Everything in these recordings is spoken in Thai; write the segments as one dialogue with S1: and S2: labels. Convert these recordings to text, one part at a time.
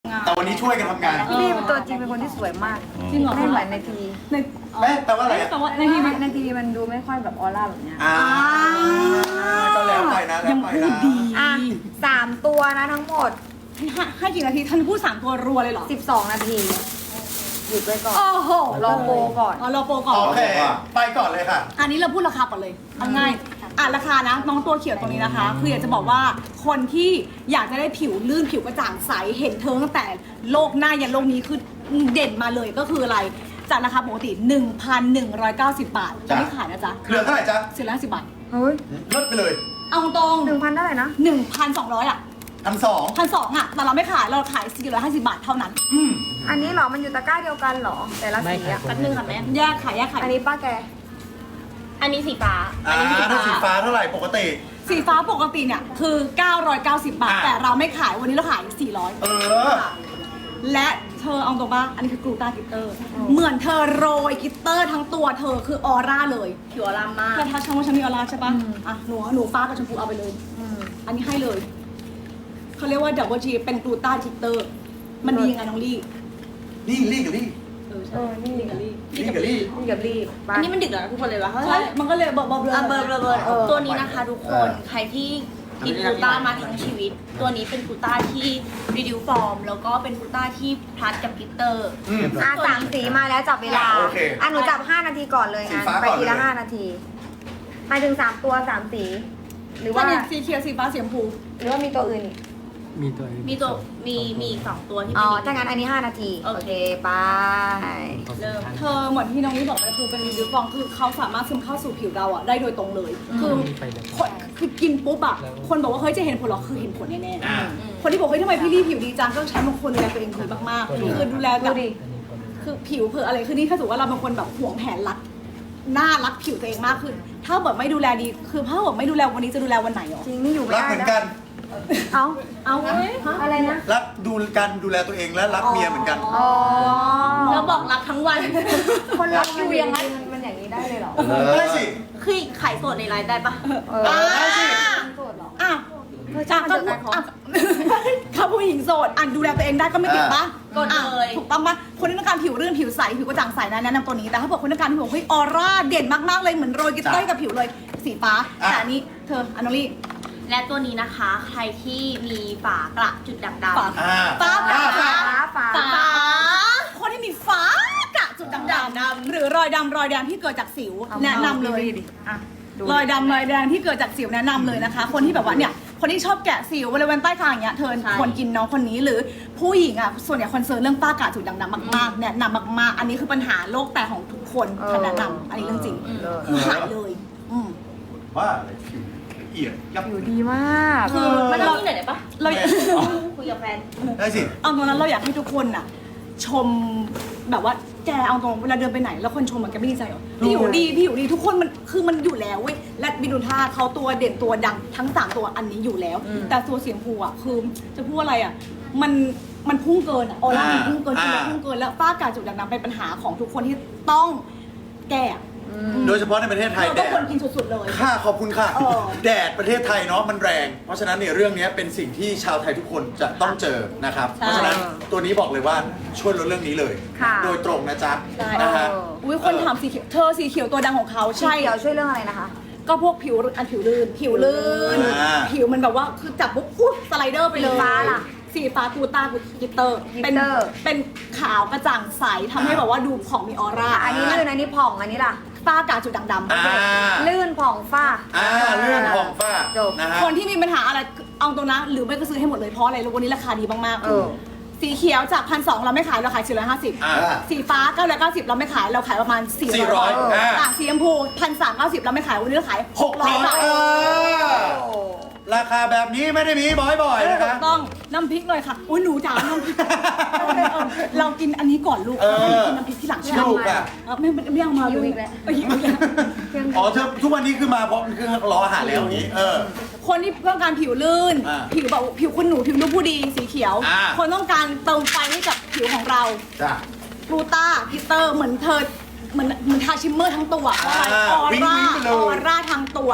S1: แต่วันนี้ช่วยกันทำงาน
S2: พี่ลี่เป็นตัวจริงเป็นคนที่สวยมาก
S3: จริงเหรอ
S2: ไม่เหมือนในทีวี
S3: ใน
S1: แปลว่าอะไรอะ
S3: แต่ว่าในทีวี
S2: ในทีวีมันดูไม่ค่อยแบบออร่าแบบเนี้ย
S1: ก็แล้วไปนะแล้ว
S3: ยัง
S1: ไป
S3: พูด
S1: นะ
S3: ดี
S2: อ่ะ3 ตัวนะทั้งหมด
S3: ให้กี่นาทีท่านพูด3 ตัวรัวเลยเหรอ
S2: 12 นาทีหยุดไว้ก่อน
S3: โอ้โห
S2: รอโปรก่อน
S3: อ๋อรอโปรก่อน
S1: โอเค ไปก่อนเลยค่ะ
S3: อันนี้เราพูดราคาก่อนเลยเอาง่ายราคานะน้องตัวเขียวตัวนี้นะคะ คืออยากจะบอกว่าคนที่อยากจะได้ผิวลื่นผิวกระจ่างใสเห็นเธอตั้งแต่โลกหน้ายันโลกนี้คือเด่นมาเลยก็คืออะไรจากราคาปกติ 1,190 บาทจะไม่ขายนะจ๊ะ
S1: เหลือเท่าไหร่จ๊ะ
S3: 450 บาท
S2: เฮ้ย
S1: ลดไปเลย
S3: เอาตรง
S2: 1,000เท่าไหร่นะ
S3: 1,200 อ่ะ
S1: 1,200
S3: 1,200อ่ะแต่เราไม่ขายเราขาย450 บาทเท่านั้น
S2: อันนี้เหรอ มันอยู่ตะกร้าเดียวกันเหรอ แต่ละสีอ่ะ
S4: แป๊บนึงค่ะแม่
S3: แยกขายแยกขาย
S2: อันนี้ป้าแก
S4: อันนี้สีฟ้า
S1: ถ้าสีฟ้าเท่าไหร่ปกติ
S3: สีฟ้าปกติเนี่ยคือ 990 บาท
S1: อ่ะ
S3: แต่เราไม่ขายวันนี้เราขาย
S1: เออ
S3: 400 และเธอเอาตรงป่ะอันนี้คือกลูตากิตเตอร์ เหมือนเธอโรยกิตเตอร์ทั้งตัวเธอคือออร่าเลย
S4: ผิวอลามมาก
S3: เธอทักฉันว่าฉันมีออร่าใช่ป่ะอ่ะหนูฟ้ากับชมพูเอาไปเลย อันนี้ให้เลยเขาเรียกว่าดับเบิลจีเป็นกลูตากิตเตอร์ มันดียังไงน้องลี่
S1: ลี่กับลี่
S3: ใช่นี่ลิงกับลี่
S1: ลี่กับลี่
S2: นี่กับรีบ
S4: อันนี้มันดึกแล้วนะทุกคนเลยวะ
S3: ใช่มันก็เลยเบลอ
S4: เบอร์
S2: เออ
S4: ตัวนี้นะคะทุกคน ใครที่กินกลูต้ามาทั้งชีวิต ตัวนี้เป็นกลูต้าที่รีดิวฟอร์ม แล้วก็เป็นกลูต้าที่พลัดกับกลิตเตอร์
S2: อ่ะ3 สีมาแล้วจับเวลา
S1: โอเค
S2: อ่ะหนูจับ 5 นาทีก่อนเลย
S1: สี
S2: อ่ะ
S1: ฟ้า
S2: ไป
S1: ก่อน
S2: ทีละ
S1: เลย
S2: 5 นาทีหมายถึง3 ตัว 3 สี หรือ
S3: ถ้า
S2: ว่า
S3: เนี่ยสีเขียวสีฟ้าสีชมพู
S2: หรือว่ามีตัวอื่นอีก
S4: มีอีก2ตัวที่
S2: อ๋
S4: เป็
S2: อน ถ้างั้นอันนี้ 5 นาที
S4: โอเค
S2: ไป
S4: เริ่ม
S3: เธอเหมือนที่น้องนี่บอกไปคือเป็นรีวิวฟองคือเขาสามารถซึมเข้าสู่ผิวเราอะได้โดยตรงเลย คือคนคือกินปุ๊บอะคนบอกว่าเฮ้ยจะเห็นผลหรอคือเห็นผลแน่
S1: อ่า
S3: ๆคนที่บอกเฮ้ยทำไมพี่ลี่ผิวดีจังก็ใช้บางคนดูแลตัวเองดีมากๆคือดูแลแบ
S2: ดู
S3: บ
S2: ดิ
S3: คือผิวเพื่ออะไรคือนี่ถ้าสมมติว่าเราเป็นคนแบบห่วงแผนรักหน้ารักผิวตัวเองมากขึ้นถ้าแบบไม่ดูแลดีคือถ้าแบบไม่ดูแลวันนี้จะดูแลวันไหนหรอ
S2: จริงนี่อยู่ไม่
S1: รัก
S2: ได้
S1: เหมือน
S2: นะ
S1: กัน
S2: เอ้า
S3: เอาไว้
S2: อะไรนะ
S1: รักดูการดูแลตัวเองและรักเมียเหมือนกัน
S2: อ๋อ
S4: แล้วบอกรักทั้งวัน
S2: คนรักอยู่อย่างนั้นมันอย่างนี้ได้เลยเหรอ
S1: ได้สิ
S4: คือขายสดในไลน์ได้ปะ
S1: ได้สิ
S2: โสดเหรอ
S3: อ่ะจากก็ถ้าผู้หญิงโสดอ่ะดูแลตัวเองได้ก็ไม่ติดปะ
S4: กดเลย
S3: ถูกต้องปะคนที่ต้องการผิวรื่นผิวใสผิวกระจ่างใสนะแนะนำตัวนี้แต่ถ้าบอกคนต้องการผิวเฮ้ยออร่าเด่นมากๆเลยเหมือนโรยกิตเตอร์กับผิวเลยสีฟ้าแต่อันนี้เธออนอลี่
S4: และตัวนี้นะคะ ใครที่มีฝากระจุดด่างด
S3: ฝา
S4: ำ
S3: ฟ้า
S2: ฟ้าฟ้า
S4: ฝา
S3: คนที่มีฟ้ากระจุดดำๆหรือรอยดำรอยแดงที่เกิดจากสิวแนะนำเลย
S2: อ่ะดู
S3: รอยดำรอยแดงที่เกิดจากสิวแนะนำเลยนะคะ คนที่แบบว่าเนี่ยคนที่ชอบแกะสิวบริเวณใต้คางอย่างเงี้ยเธอควรกินน้องคนนี้หรือผู้หญิงอ่ะส่วนใหญ่คอนเซิร์นเรื่องฝ้ากระจุดด่างดำมากๆแนะนำมากๆ อันนี้คือปัญหาโรคแตกของทุกคนฉันแนะนำอันนี้เรื่องจริงคือหายเลยม
S1: ว่าอะไรผิวละเอียดยับ
S2: อยู่ดีมาก
S3: คือ
S4: มันต้องมีหน่อยได้ปะ
S3: เรา
S4: คุยกับแฟน
S1: ได้สิ
S3: เอาตรงนั้นเราอยากให้ทุกคนน่ะชมแบบว่าแกเอาตรงเวลาเดินไปไหนแล้วคนชมมันแกไม่ดีใจหรอพี่อยู่ดีพี่อยู่ดีทุกคนมันคือมันอยู่แล้วเว้ยและบินูท่าเขาตัวเด่นตัวดังทั้ง3ตัวอันนี้อยู่แล้ว แต่ตัวเสียงภูอ่ะคือจะพูดอะไรอ่ะมันพุ่งเกินอะออร่ามันพุ่งเกินจริงๆพุ่งเกินแล้วฝ้ากระจุดด่างดำเป็นปัญหาของทุกคนที่ต้องแก้
S1: โดยเฉพาะในประเทศไทย
S3: เรา
S1: แด
S3: ก็ควร
S1: ด
S3: กินสุดๆเลย
S1: ค่ะขอบคุณค่ะ
S3: เออ
S1: แดดประเทศไทยเนาะมันแรง เพราะฉะนั้นเนี่ยเรื่องนี้เป็นสิ่งที่ชาวไทยทุกคนจะต้องเจอนะครับ เพราะฉะนั้นตัวนี้บอกเลยว่าช่วยลดเรื่องนี้เลย
S2: ค่ะ
S1: โดยตรงนะจ๊ะ
S3: ใช่
S1: นะฮะ
S3: อุ้ยคนถามสีเขียวเธอสีเขียวตัวดังของเขา
S2: ใช่
S3: ใช่
S2: เดี๋ยวช่วยเรื่องอะไรนะคะ
S3: ก็พวกผิวผิวลื่นผิวมันแบบว่าคือจับปุ๊บอุ๊ยสไลเดอร์ไปเลย
S2: สีฟ้าล่ะ
S3: สีฟ้ากูต้ากูกิตเตอร์
S2: กิตเตอร์
S3: เป็นขาวกระจ่างใสทำให้แบบว่าดูผ่องมีออร่า
S2: อันนี้ลื่นอันนี้ผ่องอันนี้ล่ะ
S3: ฝ้ากาจุดด่างดำ
S2: ลื่นผ่องฝ้า
S1: เรื่องของฝ้า
S2: จบ
S1: นะฮะ
S3: คนที่มีปัญหาอะไรเอาตรงนะหรือไม่ก็ซื้อให้หมดเลยเพราะอะไรวันนี้ราคาดีมาก
S2: เออ
S3: ๆสีเขียวจาก1,200เราไม่ขายเราขาย450สีฟ้า990เราไม่ขายเราขายประมาณ400สีชมพู1,390เราไม่ขายวันนี้เราขาย600 บาท
S1: ราคาแบบนี้ไม่ได้มีบ่อยๆนะคะ
S3: ต้องน้ำพริกเลยค่ะอุ้ยหนูจ๋าน้ำพริกเรากินอันนี้ก่อนลูก
S1: เออ
S3: กินน้ำพริกที่หลังใช่ไหม
S1: ลูกอ่ะ
S3: ไม่เอามา
S2: หิวอีกแล้ว
S3: หิวอีกแล้ว
S1: อ๋อเธอทุกวันนี้คือมาเพราะคือรออาหารแล้วอย่างนี้
S3: คนที่ต้องการผิวลื่น
S1: อ่า
S3: ผิวแบบผิวคุณหนูผิวลูกผู้ดีสีเขียว
S1: อ่า
S3: คนต้องการเติมไฟให้กับผิวของเรา
S1: จ้ะ
S3: กลูต้าพิเตอร์เหมือนเธอเหมือนทาชิมเมอร์ทั้งตัว
S1: อ่า
S3: ออ
S1: วิ่ง
S3: ร่า
S1: ๆไปเลย
S3: ออร่าทั้งตัว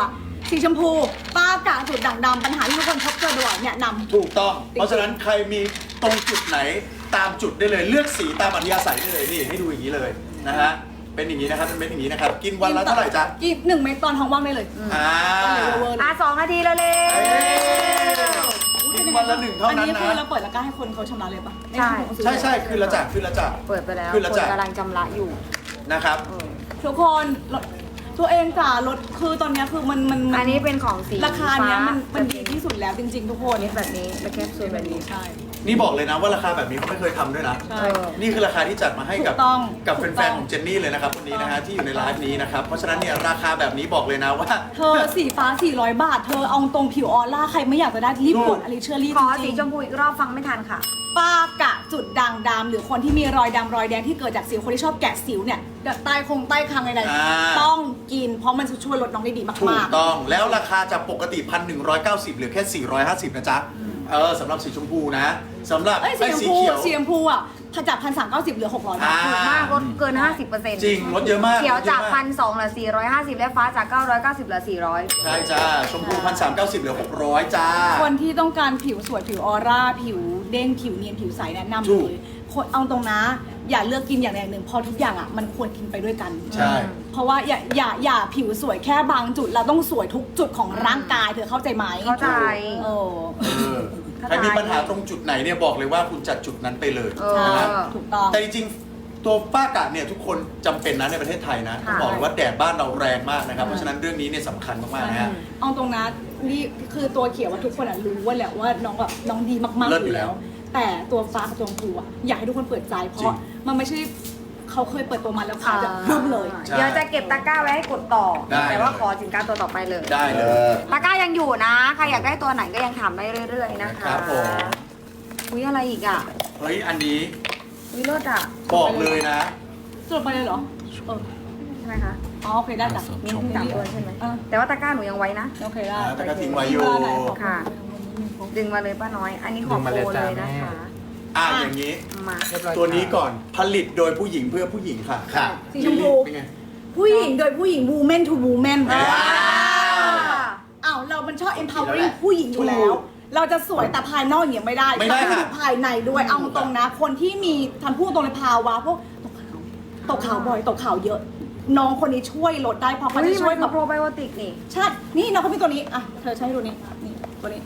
S3: สีชมพูป้ากะจุดด่างดำปัญหาที่ทุกคนพบเจอบ่อยเนี่ยนำ
S1: ถูกต้อง เพราะฉะนั้นใครมีตรงจุดไหนตามจุดได้เลยเลือกสีตามอัธยาศัยได้เลยนี่ให้ดูอย่างนี้เลยนะฮะเป็นอย่างนี้นะครับเป็นเม็ดอย่างนี้นะครับกินวันละเท่าไหร่จ๊ะ
S3: กิน1 เม็ดตอนท้องว่างได้เลย
S1: อ่า
S3: เวอร์เลย
S2: 2 นาทีแล้วเลย
S1: เอ้ยกินวันละ1เท่านั้น
S3: อันนี้คือ
S1: นะ
S3: เราเปิดแล้วก็ให้คนเขาชำระเลยปะ
S2: ใช่
S1: ใช่คือละจ่าคือละจ่า
S2: เปิดไปแล้ว
S1: คือละ
S2: คน
S1: จ่า
S2: กำลังจำระอยู่
S1: นะครับ
S3: ทุกคนตัวเองจ่ารถคือตอนเนี้ยคือมัน
S2: อันนี้เป็นของสี
S3: ราคาเนี้ยมัน
S2: ฟ้า
S3: ดีที่สุดแล้วจริง ๆ ทุกคน
S2: แบบนี้และแคปซูลแบบนี้
S3: ใช่
S1: นี่บอกเลยนะว่าราคาแบบนี้เขาไม่เคยทำด้วยนะ
S3: ใช่
S1: นี่คือราคาที่จัดมาให้กับ
S3: ถูกต้อง
S1: กับแฟนๆของเจนนี่เลยนะครับวันนี้นะฮะที่อยู่ในไลฟ์นี้นะครับเพราะฉะนั้นเนี่ยราคาแบบนี้บอกเลยนะว่า
S3: เธอสีฟ้า400 บาท เธอเอาตรงผิวออร่าใครไม่อยากจะได้รีบกดอลิเชอรี่
S2: ขอ
S3: จ
S2: สี
S3: ริง
S2: ชมพูอีกรอบฟังไม่ทันค่ะ
S3: ๆป้ากะจุดด่างดำหรือคนที่มีรอยดำรอยแดงที่เกิดจากสิวคนที่ชอบแกะสิวเนี่ยใต้คางใด
S1: อ่า
S3: ๆต้องกินเพราะมันจะช่วยลดน้องได้ดี
S1: ถู
S3: มาก ก
S1: ต้องแล้วราคาจากปกติ 1,190เหลือแค่ 450นะจ๊ะสำหรับสีชมพูนะสำหรับ
S3: ๆเอ้ยสี
S1: ไอ้
S3: ชม
S1: สี
S3: พู
S1: เขียว
S3: สีชมพูอ่ะจาก1,390เหลือ600 บาท
S1: อ่า
S2: ถูกมากลดเกิน 50%
S1: จริงลดเยอะมาก
S2: เขียวจาก
S1: ลดเยอะม
S2: 1,200เหลือ450 และฟ้าจาก 990เหลือ400
S1: ใช่จ้าชมพู 1,390เหลือ600จ้า
S3: คนที่ต้องการผิวสวยผิวออร่าผิวเด้งผิวเนียนผิวใสแนะนำ
S1: ถู
S3: เล
S1: ก
S3: ยคนเอาตรงนะ อย่าเลือกกินอย่างใดอย่างหนึ่งเพราะทุกอย่างอ่ะมันควรกินไปด้วยกัน
S1: ใช่
S3: เพราะว่าอย่าผิวสวยแค่บางจุดเราต้องสวยทุกจุดของร่างกายเธอเข้าใจไหม
S2: เข้าใจ
S3: เออ
S1: ใครมีปัญหาตรงจุดไหนเนี่ยบอกเลยว่าคุณจัดจุดนั้นไปเลย
S2: เออ
S1: นะครับ
S3: ถูกต้อง
S1: แต่จริงๆตัวป้ากะเนี่ยทุกคนจำเป็นนะในประเทศไทยนะต้อง
S2: ค่ะ
S1: บอกเลยว่าแดดบ้านเราแรงมากนะครับเพราะฉะนั้นเรื่องนี้เนี่ยสำคัญมากๆนะฮะ
S3: เอาตรงนะนี่คือตัวเขียวว่าทุกคนอะรู้ว่าแหละว่าน้องแบบน้องดีมากๆ
S1: เลิศ
S3: อ
S1: อยู่
S3: ยู่
S1: แล้
S3: แล้ว ว แต่ตัวฟ้ากับตัวชมพูอะอยากให้ทุกคนเปิดใจเพ
S1: จริ
S3: ราะ
S1: ง
S3: มันไม่ใช่เขาเคยเปิดตัวมาแล้วขายแบบรึ้มเลย
S1: ใช่
S2: เดี๋ยวจะเก็บตะกร้าไว้ให้กดต่อ
S1: ได้
S2: แต่ว่าขอสินค้าตัวต่อไปเลย
S1: ได้เลย
S2: ตะกร้ายังอยู่นะ ใครอยากได้ตัวไหนก็ยังถามได้เรื่อยๆนะคะ
S1: ครับผม
S2: อุ้ยอะไรอีกอ่ะ
S1: เฮ้ยอันนี้
S2: อุ้ยรถอ่ะ
S1: บอกเลยนะ
S3: จบไปเลยเหรอเออ
S2: ใช่ไหมคะ
S3: อ๋อโอเคได้จ้ะ
S2: มีทั้งสามตัวใช่ไหม
S3: อ่ะ
S2: แต่ว่าตะกร้าหนูยังไว้นะ
S3: โอเคได้
S1: แต่ก็ทิ้งไว้อยู่
S3: เวลาไหนขอ
S2: ค่ะ ดึงมาเลยป้าน้อย อันนี้ของโปรเลยนะคะ
S1: อย่างนี้
S2: มา
S1: ตัวนี้ก่อนผลิตโดยผู้หญิงเพื่อผู้หญิงค่ะ
S5: ค่ะ
S3: สีชมพู
S1: เป็นไง
S3: ผู้หญิงโดยผู้หญิง woman to woman
S1: ว้าว
S3: อ้าวเรามันชอบ empowering
S1: ถูก
S3: ผู้หญิงอยู่แล้ว เราจะสวยแต่ภายนอกอย่างเงี้ยไม่ได้
S1: ไม่ได้
S3: เราต้อง
S1: ค่ะ
S3: ดูภายในด้วยเอาตรงนะ คนที่มีทำพูดตรงในภาวะพวกตกขาวบ่อยตกขาวเยอะ น้องคนนี้ช่วยลดได้เพราะเขา
S2: เฮ้ย
S3: จะ
S2: มั
S3: ช่วย
S2: น
S3: แบ
S2: คือบ โปรไบโอติกนี่
S3: ใช่นี่น้องเขามีตัวนี้อ่ะเธอใช้ให้ดูนี่นี่ตัวนี้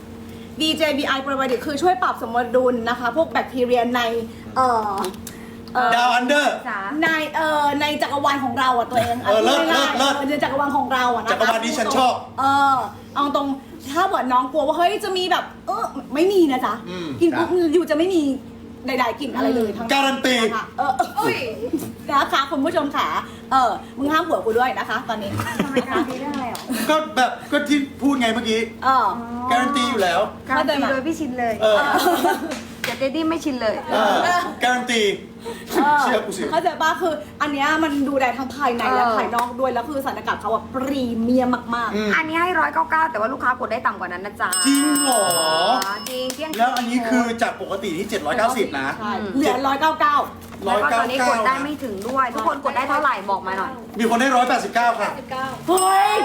S3: DJBI Probiotic คือช่วยปรับสมดุลนะคะ พวกแบคทีเรียใน
S1: ดาวอันเดอร์
S2: จ๋า
S3: ในจักรวาลของเราอ่ะตัวเอง
S1: เลิศ
S3: ง่ายๆ
S1: เลิศ
S3: ในจักรวาลของเราอ่ะนะคะ
S1: จักรวาลนี้ฉันชอบ
S3: เอาตรงถ้าเกิดน้องกลัวว่าเฮ้ยจะมีแบบไม่มีนะจ๊ะ
S1: อืม
S3: กินปุ๊บอยู่จะไม่มีใดๆกลิ่นอะไรเลยทั้ง
S1: การันตี
S3: นะคะนะคะคุณผู้ชมค่ะมึงห้ามหัวกูด้วยนะคะ ตอนนี้
S2: ทำไมการันตีเรื่องอะไรหรอ
S1: ก็ที่พูดไงเมื่อกี้ การันตีอยู่แล้ว
S2: การันตีโดยพี่ชินเลย
S1: เออ
S2: เดี๋ยวเจดี้ไม่ชินเลย
S1: การันตี เชื่อกูสิ
S3: เข้าใจป่ะคืออันเนี้ยมันดูแลทั้งภายในและภายนอกด้วยแล้วคือสารสกัดเขาอะพรีเมียมมาก
S1: อืม
S2: อันนี้ให้199แต่ว่าลูกค้ากดได้ต่ำกว่านั้นนะจ๊ะ
S1: จริงเหรอ
S2: จริงเที่ยงคื
S1: แล้วอันนี้คือจากปกติที่ 790 นะ
S3: ๆใช่เหลือ199
S2: แล้วก็ตอนนี้กดได้ไม่ถึงด้วย ทุกคนกดได้เท่าไหร่บอกมาหน่อย
S1: มีคนได้ 189 ค่ะ
S3: เฮ้ย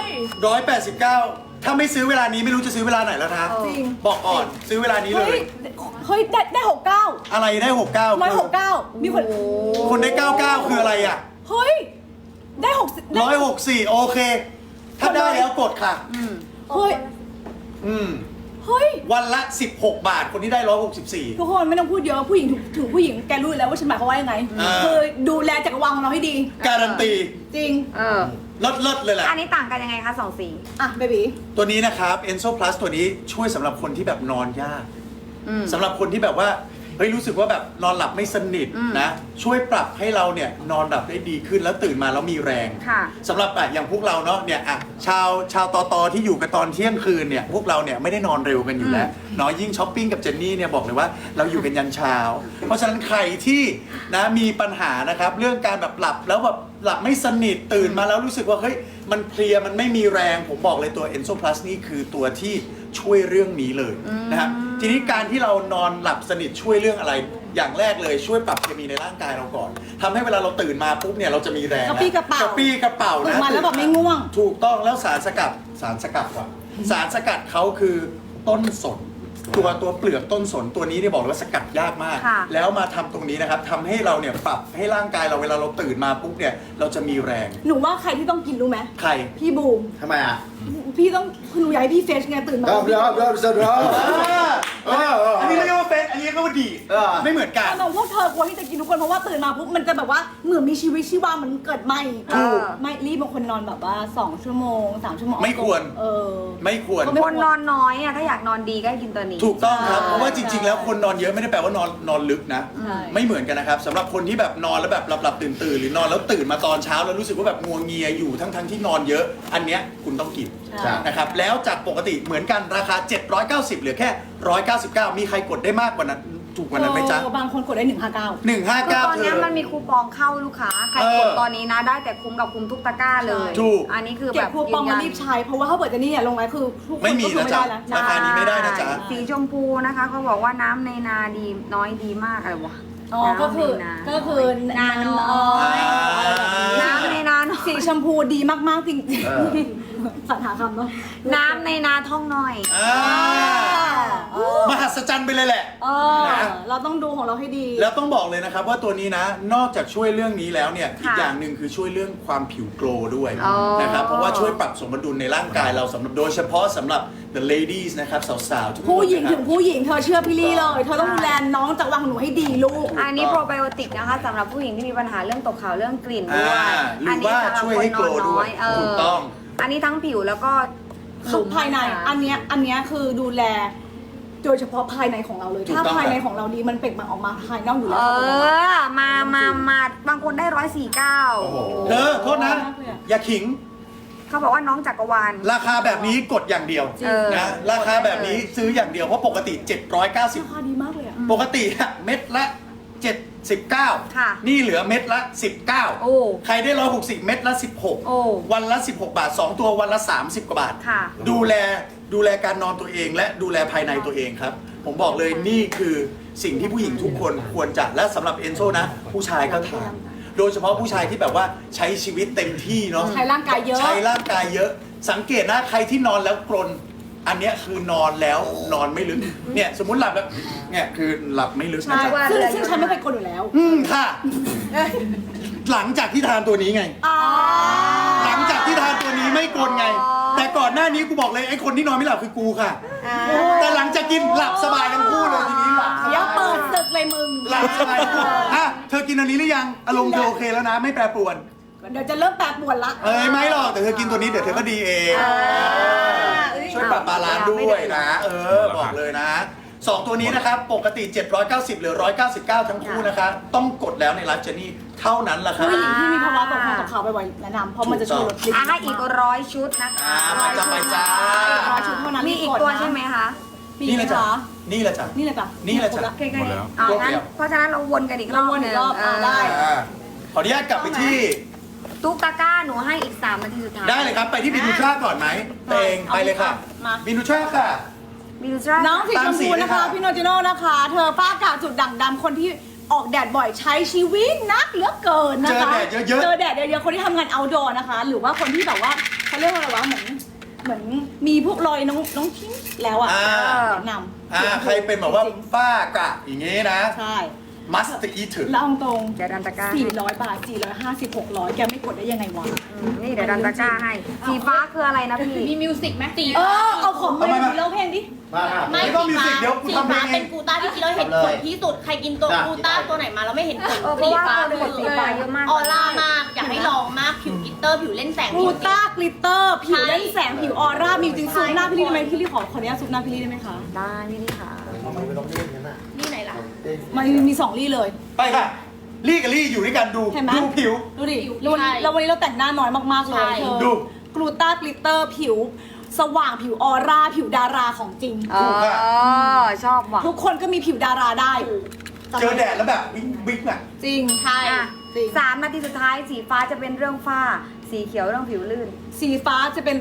S1: 189 ถ้าไม่ซื้อเวลานี้ไม่รู้จะซื้อเวลาไหนแล้วนะ
S2: เออ
S3: จริง
S1: บอกก่อนซื้อเวลานี้เล
S3: เฮ้
S1: ย
S3: ยเฮ้ยได้69
S1: อะไรได้ 69
S3: 169มีคน
S1: คนได้ 99 คืออะไรอ่ะ
S3: เฮ้ยได้60ได้
S1: 164 โอเค ถ้าได้แล้วกดค่ะ
S3: เฮ้ย
S1: อืม
S3: เฮ้ย
S1: วันละ 16 บาท คนที่ได้ 164
S3: ทุกคนไม่ต้องพูดเยอะผู้หญิงถึงผู้หญิงแกรู้อยู่แล้วว่าฉันหมายความว่ายังไง คือดูแลจักรวาลของเราให้ดี
S1: การันตี
S3: จริง
S1: เลิศๆเลยแหละ
S2: อันนี้ต่างกันยังไงคะสองสี
S3: อ่ะเบบี
S1: ตัวนี้นะครับ Enso Plus ตัวนี้ช่วยสำหรับคนที่แบบนอนยากสำหรับคนที่แบบว่าเฮ้ยรู้สึกว่าแบบนอนหลับไม่สนิทนะ ช่วยปรับให้เราเนี่ยนอนหลับได้ดีขึ้นแล้วตื่นมาแล้วมีแรง
S2: ค่ะ
S1: สำหรับอย่างพวกเราเนาะเนี่ยชาวตอที่อยู่กันตอนเที่ยงคืนเนี่ยพวกเราเนี่ยไม่ได้นอนเร็วกันอยู่แล้วเนาะยิ่งช้อปปิ้งกับเจนนี่เนี่ยบอกเลยว่าเราอยู่กันยันเช้า เพราะฉะนั้นใครที่นะมีปัญหานะครับเรื่องการแบบหลับแล้วแบบหลับไม่สนิทตื่นมาแล้วรู้สึกว่าเฮ้ยมันเพลียมันไม่มีแรงผมบอกเลยตัว Enso Plus นี่คือตัวที่ช่วยเรื่องนี้เลยนะครับทีนี้การที่เรานอนหลับสนิทช่วยเรื่องอะไร อย่างแรกเลยช่วยปรับเคมีในร่างกายเราก่อนทำให้เวลาเราตื่นมาปุ๊บเนี่ยเราจะมีแรง
S3: กระปี้กระเป๋าก
S1: ระปี้กระเป๋า
S3: ตื่
S1: นะ
S3: นมาแล้วแบบไม่ง่วง
S1: ถูกต้องแล้วสารสกัดก่อนสารสกัดเขาคือต้นสนตัวเปลือกต้นสนตัวนี้เนี่ยบอกเลยว่าสกัดยากมาก
S2: ค่ะ
S1: แล้วมาทำตรงนี้นะครับทำให้เราเนี่ยปรับให้ร่างกายเราเวลาเราตื่นมาปุ๊บเนี่ยเราจะมีแรง
S3: หนูว่าใครที่ต้องกินรู้ไหม
S1: ใคร
S3: พี่บูม
S5: ทำไมอ่ะ
S3: พี่ต้องคือหนูอยากให้พี่เฟชไงตื่นมา
S5: เดี๋ยว
S1: อันนี้เรียกว่าเฟซอันนี้เรียกว่าดี
S5: เออ
S1: ไม่เหมือนกัน
S3: น้องพวกเธอกลัวที่จะกินทุกคนเพราะว่าตื่นมาปุ๊บมันจะแบบว่าเหมือนมีชีวิตชีวาเหมือนเกิดใหม่
S2: ถูก
S3: ไม่รีบบางคนนอนแบบว่า2 ชั่วโมง 3 ชั่วโมง
S1: ไม่ควร ไม่ควร
S2: คนนอนน้อยอ่ะถ้าอยากนอนดีก็ให้กินตัวนี้
S1: ถูกต้องครับ
S3: ใช่
S1: เพราะว่าจริง ๆ แล้วคนนอนเยอะไม่ได้แปลว่านอนลึกนะ
S3: ใช่
S1: ไม่เหมือนกันนะครับสำหรับคนที่แบบนอนแล้วแบบหลับตื่นหรือนอนแล้วตื่นมาตอนเช้าแล้วรู้สึกว่าแบบงัวเงียอยู่ทั้งที่นอนเยอะ อันเนี้ยคุณต้องกิน
S3: ใช่
S1: นะครับแล้วจากปกติเหมือนกันราคา 790เหลือแค่ 199 มีใครกดได้มากกว่านั้นถูกกว่านั้นไหมจ๊ะ
S3: บางคนกดได้159
S2: คือตอน
S1: 159
S2: เนี้ยมันมีคูปองเข้าลูกค้า ใครกดตอนนี้นะได้แต่คุ้มกับคุ้มทุกตะกร้าเลย
S1: ถูก
S2: อันนี้คือ
S3: เก็
S2: แบบ บ
S3: คูปองมารีบใช้เพราะว่าถ้าเปิดจะนี่ลงไว้คือทุกคน
S1: ไม่มี
S3: ก็คือ
S1: นะจ๊ะ
S3: แล้ว
S1: ราคานี้ไม่ได้นะจ๊ะ
S2: สีชมพูนะคะเขาบอกว่าน้ำในนาดีน้อยดีมากอะไรวะ
S3: อ๋อก็คือ
S2: น้ำในนา
S3: ก็คือ
S2: นาน้อย น้ำในนาน้อย
S3: สีชมพูดีมากๆจริง
S5: เออ
S3: ๆสัญหาคำเนาะ
S2: น้ำในนาท่องน้อย
S1: มหัศจรรย์ไปเลยแหละ นะ
S3: เราต้องดูของเราให้ดี
S1: แล้วต้องบอกเลยนะครับว่าตัวนี้นะนอกจากช่วยเรื่องนี้แล้วเนี่ย
S2: ค่ะ
S1: อีกอย่างหนึ่งคือช่วยเรื่องความผิวโกลว์ด้วย
S2: อ๋อ
S1: นะครับเพราะว่าช่วยปรับสมดุลในร่างกายเราสำหรับโดยเฉพาะสำหรับ the ladies นะครับสาวๆทุกคน
S3: ผู้หญิง
S1: นะค
S3: ถึ
S1: รับ
S3: งผู้หญิงเธอเชื่อพี่ลี่เลย เธอต้องดูแลน้องจากวังหนูให้ดีลูก
S2: อันนี้โปรไบโอติกนะคะสำหรับผู้หญิงที่มีปัญหาเรื่องตกขาวเรื่องกลิ่นด้วย
S1: หรือว่าช่วยให้โกลว์ด้วย
S2: เออ
S1: ถูกต้อง
S2: อันนี้ทั้งผิวแล้วก็หลุม
S3: ภายในอันเนี้ยคือดูแลโดยเฉพาะภายในของเราเลย
S1: ถูก
S3: ถ้า
S1: ต้อง
S3: ภายในของเราดีมันเปล่งปลั่งออกมาภายนอกอยู่แล้
S2: เอ
S3: ว
S2: มาบางคนได้
S5: โอ้โห
S1: เธอโทษนะ อย่าขิง
S2: 149เขาบอกว่าน้องจักรวาล
S1: ราคาแบบนี้กดอย่างเดียว
S2: เออ
S1: นะราคาแบบนี้ซื้ออย่างเดียวเพราะปกติ
S3: ราคาดีมากเลยอ่ะ
S1: 790 ปกติอะเม็ดละ 79
S2: ค่ะ
S1: นี่เหลือเม็ดละ
S2: โอ้
S1: 19 ใครได้160 เม็ดละ
S2: โอ้
S1: 16 วันละ 16 บาท 2 ตัววันละ 30 กว่าบาท
S2: ค่ะ
S1: ดูแลการนอนตัวเองและดูแลภายในตัวเองครับ ผมบอกเลยนี่คือสิ่งที่ผู้หญิงทุกคนควรจะและสำหรับเอนโซนะ ผู้ชายก็ทานโดยเฉพาะผู้ชายที่แบบว่าใช้ชีวิตเต็มที่เนาะ
S3: ใช้ร่างกายเยอะ
S1: ใช้ร่างกายเยอะ สังเกตนะใครที่นอนแล้วกรนอันเนี้ยคือนอนแล้วนอนไม่ลึกเนี่ยสมมุติหลับแล้วเนี่ยคือหลับไม่ลึกนะ
S3: ใช่
S1: จ๊ะ
S3: ซึ่งฉันไม่เคยกดอยู่แล้ว
S1: ค่ะ หลังจากที่ทานตัวนี้ไง หลังจากที่ทานตัวนี้ไม่กรนไง แต่ก่อนหน้านี้กูบอกเลยไอ้คนที่นอนไม่หลับคือกูค่ะ แต่หลังจากกินหลับสบายทั้งคู่เลยทีนี้หลับ
S3: เดี๋ยวเปิดศึกเลยมึง
S1: หลับสบายทั้งคู่อ่ะเธอกินอันนี้หรือยังอารมณ์เธอโอเคแล้วนะ ไม่แปรปรวน
S3: เดี๋ยวจะเริ่มแปรปรวนละ
S1: ไม่หรอกแต่เธอกินตัวนี้เดี๋ยวเธอก็ดีเองช่วยปรับบาลานซ์ด้วยนะ บอกเลยนะสองตัวนี้นะครับปกติ 790เหลือ 199 ทั้งคู่นะคะต้องกดแล้วในไลฟ์เจนี่เท่านั้นแหละครับ
S3: ผู้หญิงที่มีภาวะตกขาวบ่อยๆแนะนำเพราะมันจะช่วยลดลิ
S2: ให้อีก100 ชุดนะคะ
S1: มาจะไปจ้า
S3: 100 ชุดเท่านั้น
S2: มีอีกตัวใช่ไหมคะ
S3: มี
S1: นี่
S3: ไห
S1: แห
S3: ม
S1: ละจ้ะ
S3: คะ
S1: นี่แหละจ้ะ
S3: นี่แหละจ้ะ
S1: นี่แหละจ้ะ
S3: ครบ
S2: แค่
S1: หมด
S2: นี้
S1: แล้ว
S2: เอา
S1: ครบ
S2: งั้น
S1: แล้ว
S2: เพราะฉะนั้นเราวนกันอีกรอบ
S3: วนอีกรอบ
S2: หนึ่ง
S3: ได้
S1: ขออนุญาตกลับไปที่
S2: ตุ๊กตาก้าหนูให้อีก3 นาทีสุดท้าย
S1: ได้เลยครับ ไปที่บินูชาก่อนไหมเตงไปเลยค่ะ
S3: มา
S1: บินูชาค่ะ
S2: บิวจ้า
S3: น้องสีชมพูนะคะ
S1: ตามสีเลยค่ะ
S3: พี่โนจิโน่นะคะ เธอฝ้ากระจุดด่างดำคนที่ออกแดดบ่อยใช้ชีวิตนักเหลือเกินนะคะ
S1: เจอแดดเยอะๆ
S3: เจอแดดเยอะๆคนที่ทำงาน outdoor นะคะ หรือว่าคนที่แบบว่าเขาเรียกว่าอะไรวะเหมือนมีพวกรอยน้องทิ้งแล้วอ่ะแนะนำ
S1: ใครเป็นแบบว่าป้ากะอย่างงี้นะ
S3: ใช่
S1: มัสต์อีถึง
S3: แล้วเอาตรง
S2: เดี๋ยวดันตะกร้า
S3: 400 บาท 450 600 แกไม่กดได้ยังไงวะ
S2: นี่เดี๋ยวดันตะกร้าให้ สีฟ้าคืออะไรนะพี่
S4: มีมิวสิกไหมสี
S3: เอาของมาดูเล่าเพลงดิ
S5: มาค่ะ
S4: ไม่
S1: ไม่ต้องมิวสิกเดี๋ยวกู
S4: สี
S1: ทำเพล
S4: ฟ้าง
S1: เอง
S4: เป็นกูต้าที่เราเห็นผลที่สุด ใครกินตัว
S5: จ้ะ
S4: กูต้าตัวไหนมาแล้วไม่เห็นผล
S2: เพ
S4: สี
S2: ราะว่า
S4: ฟ้า
S2: คนกดสีฟ้าเยอะมาก
S4: ออร่ามาก อยากให้ลองมากผิวกลิตเตอร์ผิวเล่นแสง
S3: กลูต้ากลิตเตอร์ ผิว
S4: ใช่
S3: เล่นแสงผิวออร่า มีจริงซูมหน้าพี่ลี่ได้ไหมพี่ลี่ขออนุญาตซูมหน้าพี่ลี่ได้ไหมคะ
S2: ได้พี่นี่ค่ะ
S5: ทำไมไม่ต้องเล่นกันน่ะ
S4: นี่ไหนล่ะ
S3: มันมี2ลี่เลย
S1: ไปค่ะ ลี่กับลี่อยู่ด้วยกันดู
S3: เห็นไหม
S1: ดูผิว
S3: ดูดิ
S4: ผิว
S3: แล้ววันนี้เราแต่งหน้าน้อยมากๆเล
S4: ใช่
S3: ยเธอ
S1: ดู
S3: กลูต้ากลิตเตอร์ผิว สว่างผิวออร่า ผิวดาราของจริง
S2: ชอบว่ะ
S3: ทุกคนก็มีผิวดาราได้
S1: เจอแดดแล้วแบบบิ๊กอ่ะ
S3: จริง
S4: ใช่
S2: อ่ะ
S3: จริง
S2: 3 นาทีสุดท้ายสีฟ้าจะเป็นเรื่องฝ้า สีเขียวเรื่องผิวลื่น
S3: สีฟ้าจะเป็นเรื่อง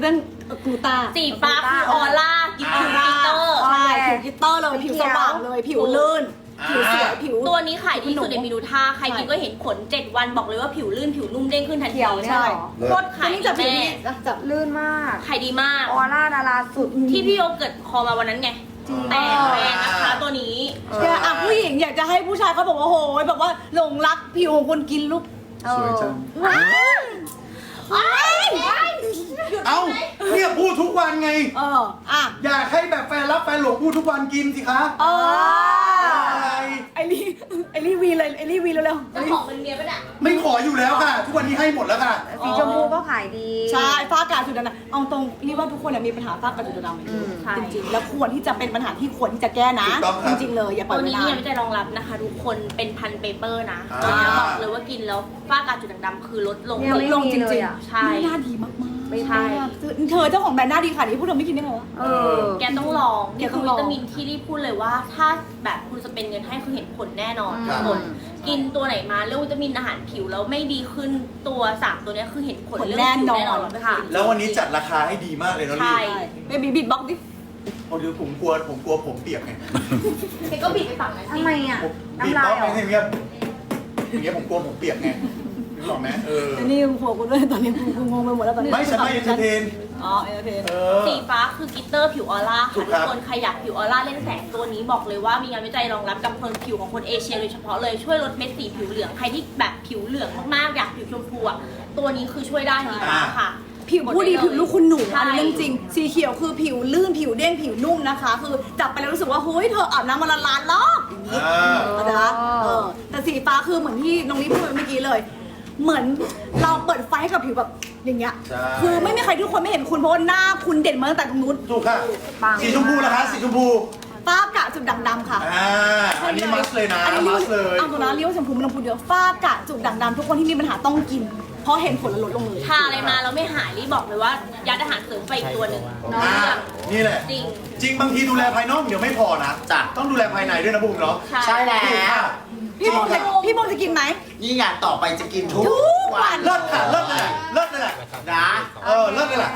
S3: กูต้า
S4: สีฟ้าคือออร่ากิฟต์กิเตอร์
S3: ใช่ผิวกลิตเตอร์เลยผิวสว่างเลยผิวลื่นผิวสวยผิว
S4: ตัวนี้ขายดีสุดในมินูท่าใครกินก็เห็นผล 7 วันบอกเลยว่าผิวลื่นผิวนุ่มเด้งขึ้นทันที
S2: เขียวเนี่ย
S3: ใช่
S2: เหรอ
S4: โคตรขาย
S3: นี่
S4: ดี
S3: จะผิว
S4: แม่
S3: นี่จะ
S2: ลื่นมาก
S4: ขายดีมาก
S2: ออร่าดาราสุด
S4: ที่พี่โยเกิร์ตคอมาวันนั้นไง แต่แพงนะคะตัวนี้
S3: แกอ่ะผู้หญิงอยากจะให้ผู้ชายเขาบอกว่าโหยแบบว่าหลงรักผิวของคนกินลูก
S1: สวยจัง
S3: ว้ายว้าย
S1: เอ้าเนี่ยพูดทุกวันไง
S3: อ่ะ
S1: อยากให้แบบแฟนรับแฟนหลงพูดทุกวันกินสิคะ อะไร
S3: ไอรี่วีเลยไอรี่วีเร็ว
S4: เจ้าของเป็นเมียปะเนี่ย
S1: ไม่ขออยู่แล้วค่ะ ทุกวันนี้ให้หมดแล้วค่ะ
S2: สีชมพูก็ขายดี
S3: ใช่ฝ้ากระจุดด่างๆเอาตรงรีว่าทุกคนเนี่ยมีปัญหาฝ้ากระจุดด่างๆ
S2: ใช่
S3: จริงๆแล้วควรที่จะเป็นปัญหาที่ควรที่จะแก้นะ
S1: ถูกต้องครั
S3: จ
S1: บ
S3: ริงๆเลยอย่าปล่
S4: ตั
S3: อยว ไว้
S4: นี้
S3: นา
S4: เนี่ย
S3: น
S4: ไม่ได้รองรับนะคะทุกคนเป็นพันเปเปอร์นะ
S1: อ่า
S4: ตัวนี้บอกเลยว่ากินแล้วฝ้ากระจุดด่างๆคือลดลง
S2: เนี่ยไม่
S3: ลงจ
S2: มีเล
S3: ริ
S2: ย
S3: ง
S2: อ่ะ
S3: ๆ
S4: ใช่
S3: หน้าดีมากๆ
S2: ไม่ใช่
S3: เธอเจ้าของแบรนด์หน้าดีค่ะนี่พูดเธอไม่กินได้ไงวะ
S2: เออ
S4: แกต้องลอง
S3: แก
S4: นี่
S3: ต้
S4: คือ อง
S3: ล
S4: วิ
S3: อง
S4: ตามินที่รีบพูดเลยว่า ถ้าแบบคุณจะเป็นเงินให้คือเห็นผลแน่นอน
S2: ครั
S4: ทุ
S2: บ
S4: กคนกินตัวไหนมาเรื่องวิตามินอาหารผิวแล้วไม่ดีขึ้นตัว3ตัวเนี้ยคือเห็นผลเรื่องผิวแน่นอน
S2: ค่ะ
S1: แล้ววันนี้จัดราคาให้ดีมากเลยเนาะ
S4: ใช่
S1: ลี่
S3: เบบี้บิดบ็อกดิ
S1: โอ้เดี๋ยวผมกลัวผมเปียกไง
S4: แกก็บิดไปฝั่งนั้น
S2: ทำ
S4: สิ
S2: ไมอ่ะ
S1: ผมบีบ
S2: น้ำลาย
S1: ต้อง
S2: เหรอ
S1: ไม่ให้เงียบอย่างเงี้ยผมกลัวผมเปียกไงนึกออกไหมเออ
S3: แต่นี่โผล่กูด้วยตอนนี้กูงงไปหมดแล้วตอนนี้
S1: ไม่ฉันไม่เอนเตอร์เทน
S3: อ๋อเอนเตอร์เทน
S1: เออ
S4: สีฟ้าคือกิตเตอร์ผิวออร่า
S1: ถู
S4: ค่ะ
S1: กครั
S4: ทุ
S1: บ
S4: กคนใครอยากผิวออร่าเล่นแสงตัวนี้บอกเลยว่ามีงานวิจัยรองรับกับคนผิวของคนเอเชียโดยเฉพาะเลยช่วยลดเม็ดสีผิวเหลืองใครที่แบบผิวเหลืองมากๆอยากผิวชมพูอ่ะตัวนี้คือช่วยได้สีฟ้าค่ะ
S3: ผิวผู้ดีผิวลูกคุณหนู
S4: ใช่
S3: อันนี้เรื่องจริง สีเขียวคือผิวลื่นผิวเด้งผิวนุ่มนะคะ คือจับไปแล้วรู้สึกว่าเฮ้ยเธออาบน้ำวันละล้านรอบอย่างนี้ นะคะแต่สีฟ้าคือเหมือนที่น้องลิพูดไปเมื่อกี้เลย เหมือนเราเปิดไฟให้กับผิวแบบอย่างเงี้ย
S1: ใช่
S3: คือไม่มีใครทุกคนไม่เห็นคุณเพราะว่าหน้าคุณเด่นมาตั้งแต่ตรงนู้น
S1: ถูกค่ะ
S2: ปัง
S1: สีชมพูล่ะคะสีชมพู
S3: ฝ้ากระจุดด่างดำค่ะ
S1: อันนี้มัสเลยนะ
S3: อันนี้
S1: มัสเลย
S3: เอาตัวนะเรียกว่าชมพูไม่ต้องพูดเยอะฝ้ากระจุดด่างดำทุกคนที่มีปัญหาต้องกิน เพราะเห็นผลและลดลงเลย
S4: ทาอะไรมาแล้วไม่หายรีบบอกเลยว่ายัดอาหารเสริมไปอีกตัวหนึ่งน้อง
S1: อ่า
S4: เรื่อง
S1: นี่แหละ
S4: จริง
S1: จริงบางทีดูแลภายนอกเดี๋ยวไม่พอนะจ้ะต้องดูแลภายในด้วยนะบุ๋มเนาะ
S5: ใช่แล้
S1: ถูกค่ะ
S5: ว
S3: พี่โมจะกินไหม
S5: นี่งานต่อไปจะกินทุก
S3: วั
S5: วัน
S1: เลิศค่ะเลิศเลยแหละเลิศเลยแหละ
S5: นะ
S1: เลิศเลยแหละ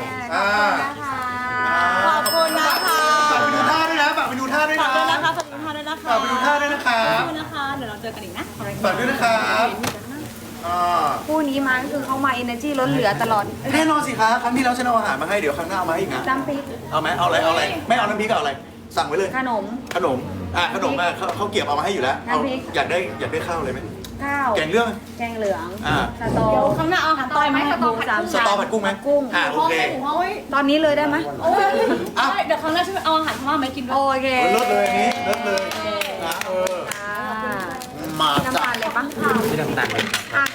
S3: ขอบคุณนะคะ
S1: ฝากไปดูท่าด้วยนะฝากไปดูท่าด้วย
S3: ฝา
S1: นะ
S3: กด้วยนะคะฝากด้วยนะคะ
S1: ฝากไปดูท่าด้วยนะคะ
S3: ขอบคุณนะคะ เดี๋ยวเราเจอกันอีกนะ
S1: ฝากด้วยนะครับอ่า
S2: คู่นี้มาก็คือเขามา energy ล้นเหลือตลอด
S1: แน่นอนสิคะครั้งที่แล้วฉันเอาอาหารมาให้เดี๋ยวครั้งหน้าเอามาให้อีกนะ
S2: น้ำพริก
S1: เอาไหมเอาอะไรไม่เอาน้ำพริกเอาอะไร สั่งไว้เลย
S2: ขนม
S1: ขนมขนมเขาเก็บเอามาให้อยู่แล้วเอา
S2: น้ำพริก
S1: อยากได้ข้าวเลยไหม
S2: ข้าว
S1: แกงเรื่อง
S2: แกงเหลือง
S1: อ่า
S2: สตอ
S3: เดี๋ยวครั้งหน้าเอาอาหารต้อยไหม
S2: สตอผัดกุ้ง
S1: สตอผัดกุ้งไหม
S2: กุ้ง
S1: โอเค
S3: โอ้ย
S2: ตอนนี้เลยได้ไหม
S3: โอ้ย
S1: อ่ะ
S3: เดี๋ยวครั้งหน้าช่วยเอาอาหารพม่ามาให้กินด้วย
S2: โอเค
S1: เลิศเลยอันนี้เลิศเลยนะ
S2: ค่ะ
S1: มา
S2: น้ำ
S1: จ้ะ
S2: ตาลเลยปะ
S6: ที่ต่างๆเลย